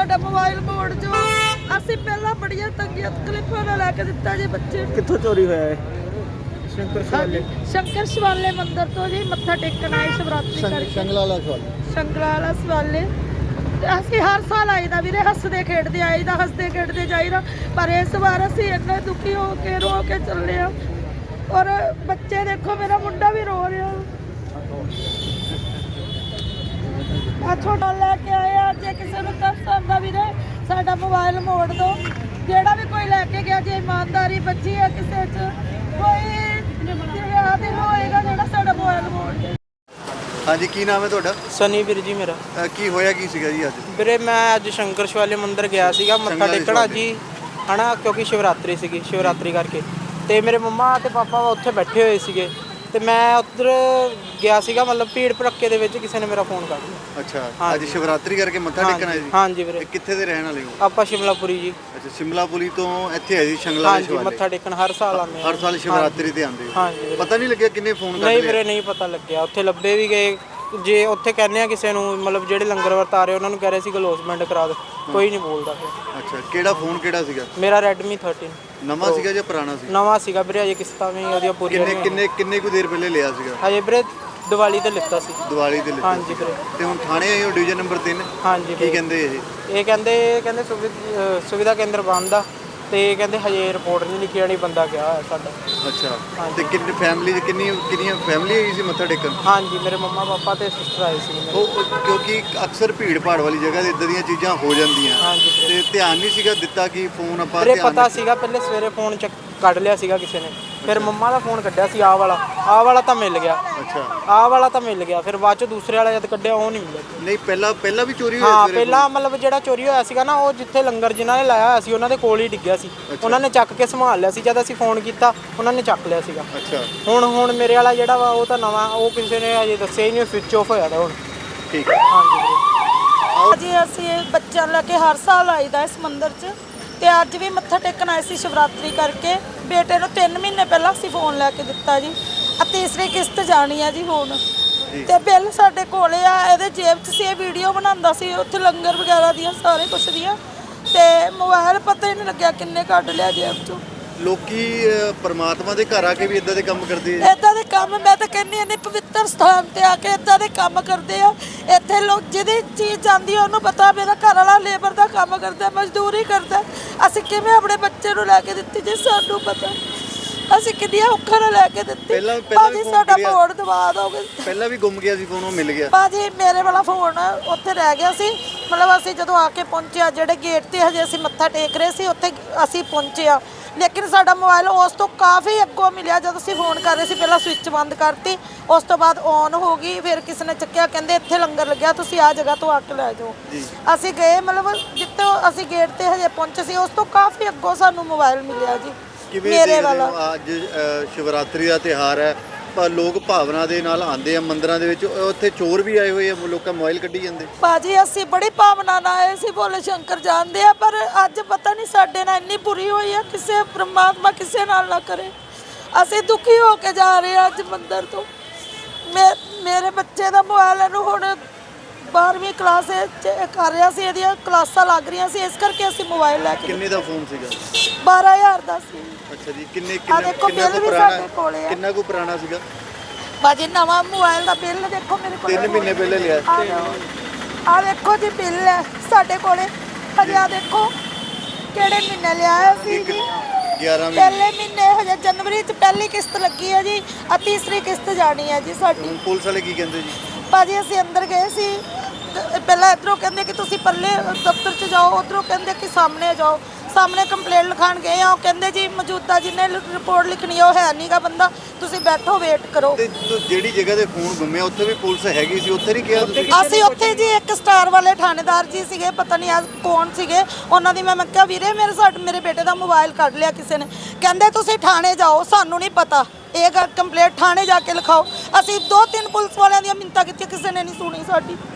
ਸਾਡਾ ਮੋਬਾਈਲ ਮੋੜ ਜੋ ਅਸੀਂ ਪਹਿਲਾਂ ਬੜੀਆਂ ਤੰਗੀਆਂ ਤਕਲੀਫਾਂ ਨਾਲ ਲੈ ਕੇ ਦਿੱਤਾ ਜੀ ਬੱਚੇ ਨੂੰ। ਕਿੱਥੋਂ ਚੋਰੀ ਹੋਇਆ ਹੈ? ਸ਼ੰਕਰ ਸ਼ਿਵਾਲੇ ਮੰਦਿਰ ਤੋਂ ਜੀ ਮੱਥਾ ਟੇਕਣ ਆਏ ਸ਼ਿਵਰਾਤਰੀ ਕਰਕੇ। ਸ਼ੰਗਲਾਲਾ ਸ਼ਿਵਾਲੇ ਅਸੀਂ ਹਰ ਸਾਲ ਆਈਦਾ ਵੀਰੇ, ਹੱਸਦੇ ਖੇਡਦੇ ਆਈਦਾ, ਹੱਸਦੇ ਖੇਡਦੇ ਜਾਈਦਾ। ਪਰ ਇਸ ਵਾਰ ਅਸੀਂ ਇੰਨੇ ਦੁਖੀ ਹੋ ਕੇ ਰੋ ਕੇ ਚੱਲੇ ਆ। ਔਰ ਬੱਚੇ ਦੇਖੋ, ਮੇਰਾ ਮੁੰਡਾ ਵੀ ਰੋ ਰਿਹਾ। ਆ ਛੋਟਾ ਲੈ ਕੇ ਆਇਆ, ਜੇ ਕਿਸੇ ਨੂੰ ਤਰਸ ਆਉਂਦਾ ਵੀਰੇ ਸਾਡਾ ਮੋਬਾਈਲ ਮੋੜ ਦੋ। ਜਿਹੜਾ ਵੀ ਕੋਈ ਲੈ ਕੇ ਗਿਆ, ਜੇ ਇਮਾਨਦਾਰੀ ਬੱਚੀ ਹੈ ਕਿਸੇ 'ਚ ਕੋਈ ਦਿਲ ਹੋਏਗਾ ਜਿਹੜਾ ਸਾਡਾ ਮੋਬਾਈਲ ਮੋੜ ਦੇ। ਹਾਂਜੀ, ਕੀ ਨਾਮ ਹੈ ਤੁਹਾਡਾ? ਸਨੀ ਵੀਰ ਜੀ ਮੇਰਾ। ਕੀ ਹੋਇਆ ਕੀ ਸੀਗਾ ਜੀ ਅੱਜ? ਵੀਰੇ ਮੈਂ ਅੱਜ ਸ਼ੰਕਰ ਸ਼ਿਵਾਲੇ ਮੰਦਿਰ ਗਿਆ ਸੀਗਾ ਮੱਥਾ ਟੇਕਣਾ ਜੀ, ਹਨਾ, ਕਿਉਂਕਿ ਸ਼ਿਵਰਾਤਰੀ ਸੀਗੀ, ਸ਼ਿਵਰਾਤਰੀ ਕਰਕੇ। ਤੇ ਮੇਰੇ ਮੰਮਾ ਤੇ ਪਾਪਾ ਉੱਥੇ ਬੈਠੇ ਹੋਏ ਸੀਗੇ ਤੇ ਮੈਂ ਉੱਧਰ ਗਿਆ ਸੀਗਾ, ਮਤਲਬ ਭੀੜ ਭੜੱਕੇ ਦੇ ਵਿੱਚ ਕਿਸੇ ਨੇ ਮੇਰਾ ਫੋਨ ਕੱਢ ਲਿਆ। ਅੱਛਾ, ਅੱਜ ਸ਼ਿਵਰਾਤਰੀ ਕਰਕੇ ਮੱਥਾ ਟੇਕਣ ਆਏ ਜੀ? ਹਾਂਜੀ ਵੀਰੇ। ਕਿੱਥੇ ਦੇ ਰਹਿਣ ਵਾਲੇ ਹੋ? ਆਪਾਂ ਸ਼ਿਮਲਾਪੁਰੀ ਜੀ। ਅੱਛਾ, ਸ਼ਿਮਲਾਪੁਰੀ ਤੋਂ ਇੱਥੇ ਆਏ ਜੀ ਸ਼ੰਗਲਾਲਾ ਹਾਂਜੀ, ਮੱਥਾ ਟੇਕਣ ਹਰ ਸਾਲ ਆਉਂਦੇ ਆ। ਹਰ ਸਾਲ ਸ਼ਿਵਰਾਤਰੀ ਤੇ ਆਉਂਦੇ ਹੋ? ਹਾਂਜੀ। ਪਤਾ ਨਹੀਂ ਲੱਗਿਆ ਕਿੰਨੇ ਫੋਨ ਕਰ ਨਹੀਂ ਵੀਰੇ, ਨਹੀਂ ਪਤਾ ਲੱਗਿਆ। ਉੱਥੇ ਲੱਭੇ ਵੀ ਗਏ, ਜੇ ਉੱਥੇ ਕਹਿੰਦੇ ਆ ਕਿਸੇ ਨੂੰ, ਮਤਲਬ ਜਿਹੜੇ ਲੰਗਰ ਵਰਤਾ ਰਹੇ ਉਹਨਾਂ ਨੂੰ ਕਹਿ ਰਹੇ ਸੀ ਗਲੋਸਮੈਂਟ ਕਰਾ ਦਿਓ, ਕੋਈ ਨਹੀਂ ਬੋਲਦਾ ਫਿਰ। ਅੱਛਾ, ਕਿਹੜਾ ਫੋਨ ਕਿਹੜਾ ਸੀਗਾ? ਮੇਰਾ Redmi 13 ਨਵਾਂ ਸੀਗਾ ਜਾਂ ਪੁਰਾਣਾ ਸੀ? ਨਵਾਂ ਸੀਗਾ ਵੀਰੇ, ਅਜੇ ਕਿਸ਼ਤਾਂ ਵੀ ਉਹਦੀਆਂ ਪੂਰੀਆਂ ਕਿੰਨੇ ਕੁ ਦੇਰ ਪਹਿਲੇ ਲਿਆ ਸੀਗਾ? ਹਜੇ ਵੀਰੇ ਦੀਵਾਲੀ ਤੇ ਲਿੱਤਾ ਸੀ। ਦੀਵਾਲੀ ਤੇ ਲਿਆ? ਹਾਂਜੀ ਵੀਰੇ। ਤੇ ਹੁਣ ਥਾਣੇ ਆਏ ਹੋ ਡਿਵੀਜ਼ਨ ਨੰਬਰ 3? ਹਾਂਜੀ। ਕੀ ਕਹਿੰਦੇ ਇਹ ਕਹਿੰਦੇ ਸੁਵਿਧਾ ਕੇਂਦਰ ਬੰਦ ਆ ਤੇ ਕਹਿੰਦੇ ਹਜੇ ਰਿਪੋਰਟ ਨਹੀਂ ਲਿਖੀ ਜਾਣੀ, ਬੰਦਾ ਗਿਆ ਹੋਇਆ ਸਾਡਾ। ਅੱਛਾ, ਤੇ ਕਿੰਨੀ ਫੈਮਿਲੀ ਦੀ ਕਿੰਨੀਆਂ ਫੈਮਿਲੀ ਆਈ ਸੀ ਮੱਥਾ ਟੇਕਣ? ਹਾਂਜੀ, ਮੇਰੇ ਮੰਮਾ ਪਾਪਾ ਤੇ ਸਿਸਟਰ ਆਏ ਸੀ ਮੇਰੇ। ਉਹ ਕਿਉਂਕਿ ਅਕਸਰ ਭੀੜ ਭਾੜ ਵਾਲੀ ਜਗ੍ਹਾ ਤੇ ਇਦਾਂ ਦੀਆਂ ਚੀਜ਼ਾਂ ਹੋ ਜਾਂਦੀਆਂ। ਹਾਂਜੀ ਤੇ ਧਿਆਨ ਨਹੀਂ ਸੀਗਾ ਦਿੱਤਾ ਕਿ ਫੋਨ ਆਪਾਂ ਵੀਰੇ ਪਤਾ ਸੀਗਾ, ਪਹਿਲੇ ਸਵੇਰੇ ਫੋਨ ਕੱਢ ਲਿਆ ਸੀਗਾ ਕਿਸੇ ਨੇ, ਫਿਰ ਮੰਮਾ ਦਾ ਫੋਨ ਕੱਢਿਆ ਸੀ, ਆਹ ਵਾਲਾ ਤਾਂ ਮਿਲ ਗਿਆ। ਅੱਛਾ, ਆਹ ਵਾਲਾ ਤਾਂ ਮਿਲ ਗਿਆ, ਫਿਰ ਬਾਅਦ ਚ ਦੂਸਰੇ ਵਾਲਾ ਜਦ ਕੱਢਿਆ ਉਹ ਨਹੀਂ ਮਿਲਿਆ। ਨਹੀਂ, ਪਹਿਲਾਂ ਵੀ ਚੋਰੀ ਹੋਈ? ਹਾਂ, ਪਹਿਲਾਂ ਮਤਲਬ ਜਿਹੜਾ ਚੋਰੀ ਹੋਇਆ ਸੀਗਾ ਨਾ, ਉਹ ਜਿੱਥੇ ਲੰਗਰ ਜਿਨ੍ਹਾਂ ਨੇ ਲਾਇਆ ਹੋਇਆ ਸੀ ਉਹਨਾਂ ਦੇ ਕੋਲ ਹੀ ਡਿੱਗਿਆ ਸੀ। ਉਹਨਾਂ ਨੇ ਚੱਕ ਕੇ ਸੰਭਾਲ ਲਿਆ ਸੀ, ਜਦ ਅਸੀਂ ਫੋਨ ਕੀਤਾ ਉਹਨਾਂ ਨੇ ਚੱਕ ਲਿਆ ਸੀਗਾ। ਅੱਛਾ, ਹੁਣ ਮੇਰੇ ਵਾਲਾ ਜਿਹੜਾ ਵਾ ਉਹ ਤਾਂ ਨਵਾਂ, ਉਹ ਕਿਸੇ ਨੇ ਹਜੇ ਦੱਸਿਆ ਹੀ ਨਹੀਂ, ਸਵਿਚ ਆਫ ਹੋਇਆ ਦਾ ਹੁਣ। ਠੀਕ ਹੈ। ਹਾਂਜੀ ਵੀਰੇ। ਜੀ ਅਸੀਂ ਬੱਚਿਆਂ ਲੈ ਕੇ ਹਰ ਸਾਲ ਆਈਦਾ ਇਸ ਮੰਦਿਰ 'ਚ, ਤੇ ਅੱਜ ਵੀ ਮੱਥਾ ਟੇਕਣ ਆਏ ਸੀ ਸ਼ਿਵਰਾਤਰੀ ਕਰਕੇ। ਬੇਟੇ ਨੂੰ 3 ਮਹੀਨੇ ਪਹਿਲਾਂ ਅਸੀਂ ਫੋਨ ਲੈ ਕੇ ਦਿੱਤਾ ਜੀ, ਆ ਤੀਸਰੀ ਕਿਸ਼ਤ ਜਾਣੀ ਆ ਜੀ ਹੁਣ। ਤੇ ਬਿੱਲ ਸਾਡੇ ਕੋਲੇ ਆ, ਇਹਦੇ ਜੇਬ 'ਚ ਸੀ, ਇਹ ਵੀਡੀਓ ਬਣਾਉਂਦਾ ਸੀ ਉੱਥੇ ਲੰਗਰ ਵਗੈਰਾ ਦੀਆਂ, ਸਾਰੇ ਕੁਛ ਦੀਆਂ। ਤੇ ਮੋਬਾਈਲ ਪਤਾ ਹੀ ਨਹੀਂ ਲੱਗਿਆ ਕਿੰਨੇ ਕੱਢ ਲਿਆ ਜੇਬ 'ਚੋਂ। ਲੋਕੀ ਪਰਮਾਤਮਾ ਦੇ ਘਰ ਆ ਕੇ ਵੀ ਇਦਾਂ ਦੇ ਕੰਮ ਕਰਦੇ ਆ? ਇਦਾਂ ਦੇ ਕੰਮ ਮੈਂ ਤਾਂ ਕਹਿੰਦੀ ਹਾਂ, ਪਵਿੱਤਰ ਸਥਾਨ ਤੇ ਆ ਕੇ ਇਦਾਂ ਦੇ ਕੰਮ ਕਰਦੇ ਆ। ਇੱਥੇ ਲੋਕ ਜਿਹਦੀ ਚੀਜ਼ ਜਾਂਦੀ ਆ ਉਹਨੂੰ ਪਤਾ ਮੇਰਾ ਘਰ ਵਾਲਾ ਲੇਬਰ ਦਾ ਕੰਮ ਕਰਦਾ, ਮਜ਼ਦੂਰੀ ਕਰਦਾ। ਅਸੀਂ ਕਿਵੇਂ ਆਪਣੇ ਬੱਚੇ ਨੂੰ ਲੈ ਕੇ ਦਿੱਤੀ ਜੇ ਸਾਨੂੰ ਪਤਾ? ਅਸੀਂ ਕਿੰਨੀਆਂ ਔਖਾਂ ਨਾਲ ਲੈ ਕੇ ਦਿੱਤੀ। ਭਾਜੀ ਸਾਡਾ ਫੋਨ ਦਵਾ ਦੋਗੇ? ਪਹਿਲਾਂ ਵੀ ਗੁੰਮ ਗਿਆ ਸੀ ਫੋਨ, ਉਹ ਮਿਲ ਗਿਆ? ਭਾਜੀ ਮੇਰੇ ਵਾਲਾ ਫੋਨ ਉੱਥੇ ਰਹਿ ਗਿਆ ਸੀ, ਮਤਲਬ ਅਸੀਂ ਜਦੋਂ ਆ ਕੇ ਪਹੁੰਚਿਆ, ਜਿਹੜੇ ਗੇਟ ਤੇ ਹਜੇ ਅਸੀਂ ਮੱਥਾ ਟੇਕ ਰਹੇ ਸੀ ਉੱਥੇ ਅਸੀਂ ਪਹੁੰਚੇ ਆ, ਲੇਕਿਨ ਸਾਡਾ ਮੋਬਾਈਲ ਉਸ ਤੋਂ ਕਾਫੀ ਅੱਗੋਂ ਮਿਲਿਆ। ਜਦੋਂ ਅਸੀਂ ਫੋਨ ਕਰ ਰਹੇ ਸੀ ਪਹਿਲਾਂ ਸਵਿਚ ਬੰਦ ਕਰਤੀ, ਉਸ ਤੋਂ ਬਾਅਦ ਔਨ ਹੋ ਗਈ, ਫਿਰ ਕਿਸੇ ਨੇ ਚੱਕਿਆ, ਕਹਿੰਦੇ ਇੱਥੇ ਲੰਗਰ ਲੱਗਿਆ, ਤੁਸੀਂ ਆ ਜਗ੍ਹਾ ਤੋਂ ਆ ਕੇ ਲੈ ਜਾਓ। ਅਸੀਂ ਗਏ, ਮਤਲਬ ਜਿੱਥੇ ਅਸੀਂ ਗੇਟ ਤੇ ਹਜੇ ਪਹੁੰਚੇ ਸੀ ਉਸ ਤੋਂ ਕਾਫੀ ਅੱਗੋਂ ਸਾਨੂੰ ਮੋਬਾਈਲ ਮਿਲਿਆ ਜੀ। ਮੇਰੇ ਵਾਲਾ ਅੱਜ ਸ਼ਿਵਰਾਤਰੀ ਦਾ ਤਿਉਹਾਰ ਹੈ, ਪਰ ਲੋਕ ਭਾਵਨਾ ਦੇ ਨਾਲ ਆਉਂਦੇ ਆ ਮੰਦਿਰਾਂ ਦੇ ਵਿੱਚ, ਉੱਥੇ ਚੋਰ ਵੀ ਆਏ ਹੋਏ ਆ, ਲੋਕਾਂ ਮੋਬਾਈਲ ਕੱਢੀ ਜਾਂਦੇ। ਭਾਜੀ ਅਸੀਂ ਬੜੀ ਭਾਵਨਾ ਨਾਲ ਆਏ ਸੀ, ਭੋਲੇ ਸ਼ੰਕਰ ਜਾਣਦੇ ਆ, ਪਰ ਅੱਜ ਪਤਾ ਨਹੀਂ ਸਾਡੇ ਨਾਲ ਇੰਨੀ ਬੁਰੀ ਹੋਈ ਆ, ਕਿਸੇ ਪਰਮਾਤਮਾ ਕਿਸੇ ਨਾਲ ਨਾ ਕਰੇ। ਅਸੀਂ ਦੁਖੀ ਹੋ ਕੇ ਜਾ ਰਹੇ ਆ ਅੱਜ ਮੰਦਿਰ ਤੋਂ। ਮੇਰੇ ਬੱਚੇ ਦਾ ਮੋਬਾਈਲ ਇਹਨੂੰ ਹੁਣ 12ਵੀਂ ਕਲਾਸ ਕਰ ਰਿਹਾ ਸੀ, ਇਹਦੀਆਂ ਕਲਾਸਾਂ ਲੱਗ ਰਹੀਆਂ ਸੀ, ਇਸ ਕਰਕੇ ਅਸੀਂ ਮੋਬਾਈਲ ਲੈ ਕੇ। ਕਿੰਨੇ ਦਾ ਫੋਨ ਸੀਗਾ? 12000 ਦਾ ਸੀ। ਅੱਛਾ ਜੀ, ਕਿੰਨਾ ਕੁ ਪੁਰਾਣਾ ਸੀਗਾ? ਭਾਜੀ ਨਵਾਂ ਮੋਬਾਈਲ ਦਾ ਬਿੱਲ ਦੇਖੋ ਮੇਰੇ ਕੋਲ, 3 ਮਹੀਨੇ ਪਹਿਲੇ ਲਿਆ। ਆ ਦੇਖੋ ਜੀ ਬਿੱਲ ਹੈ ਸਾਡੇ ਕੋਲੇ, ਹਜੇ ਆ ਦੇਖੋ ਕਿਹੜੇ ਮਹੀਨੇ ਲਿਆ ਸੀ ਜੀ, 11 ਪਹਿਲੇ ਮਹੀਨੇ, ਹਜੇ ਜਨਵਰੀ 'ਚ ਪਹਿਲੀ ਕਿਸ਼ਤ ਲੱਗੀ ਹੈ ਜੀ, ਆ ਤੀਸਰੀ ਕਿਸ਼ਤ ਜਾਣੀ ਹੈ ਜੀ ਸਾਡੀ। ਪੁਲਿਸ ਵਾਲੇ ਕੀ ਕਹਿੰਦੇ ਜੀ? ਭਾਜੀ ਅਸੀਂ ਅੰਦਰ ਗਏ ਸੀ, ਪਹਿਲਾਂ ਇੱਧਰੋਂ ਕਹਿੰਦੇ ਕਿ ਤੁਸੀਂ ਪੱਲੇ ਦਫ਼ਤਰ 'ਚ ਜਾਓ, ਉੱਧਰੋਂ ਕਹਿੰਦੇ ਕਿ ਸਾਹਮਣੇ ਜਾਓ, ਸਾਹਮਣੇ ਕੰਪਲੇਂਟ ਲਿਖਾਣ ਗਏ ਆ, ਉਹ ਕਹਿੰਦੇ ਜੀ ਮੌਜੂਦਾ ਜਿਹਨੇ ਰਿਪੋਰਟ ਲਿਖਣੀ ਉਹ ਹੈ ਨਹੀਂਗਾ ਬੰਦਾ, ਤੁਸੀਂ ਬੈਠੋ ਵੇਟ ਕਰੋ। ਤੇ ਜਿਹੜੀ ਜਗ੍ਹਾ ਤੇ ਫੋਨ ਗੁੰਮਿਆ ਉੱਥੇ ਵੀ ਪੁਲਿਸ ਹੈਗੀ ਸੀ, ਉੱਥੇ ਨਹੀਂ ਕਿਹਾ ਤੁਸੀਂ? ਅਸੀਂ ਉੱਥੇ ਜੀ ਇੱਕ ਸਟਾਰ ਵਾਲੇ ਥਾਣੇਦਾਰ ਜੀ ਸੀਗੇ, ਪਤਾ ਨਹੀਂ ਅੱਜ ਕੌਣ ਸੀਗੇ, ਉਹਨਾਂ ਦੀ ਮੈਂ ਕਿਹਾ ਵੀਰੇ ਮੇਰੇ ਬੇਟੇ ਦਾ ਮੋਬਾਈਲ ਕੱਢ ਲਿਆ ਕਿਸੇ ਨੇ, ਕਹਿੰਦੇ ਤੁਸੀਂ ਥਾਣੇ ਜਾਓ, ਸਾਨੂੰ ਨਹੀਂ ਪਤਾ, ਇਹ ਕੰਪਲੇਂਟ ਥਾਣੇ ਜਾ ਕੇ ਲਿਖਾਓ। ਅਸੀਂ 2-3 ਪੁਲਿਸ ਵਾਲਿਆਂ ਦੀਆਂ ਮਿੰਨਤਾਂ ਕੀਤੀਆਂ, ਕਿਸੇ ਨੇ ਨਹੀਂ ਸੁਣੀ ਸਾਡੀ।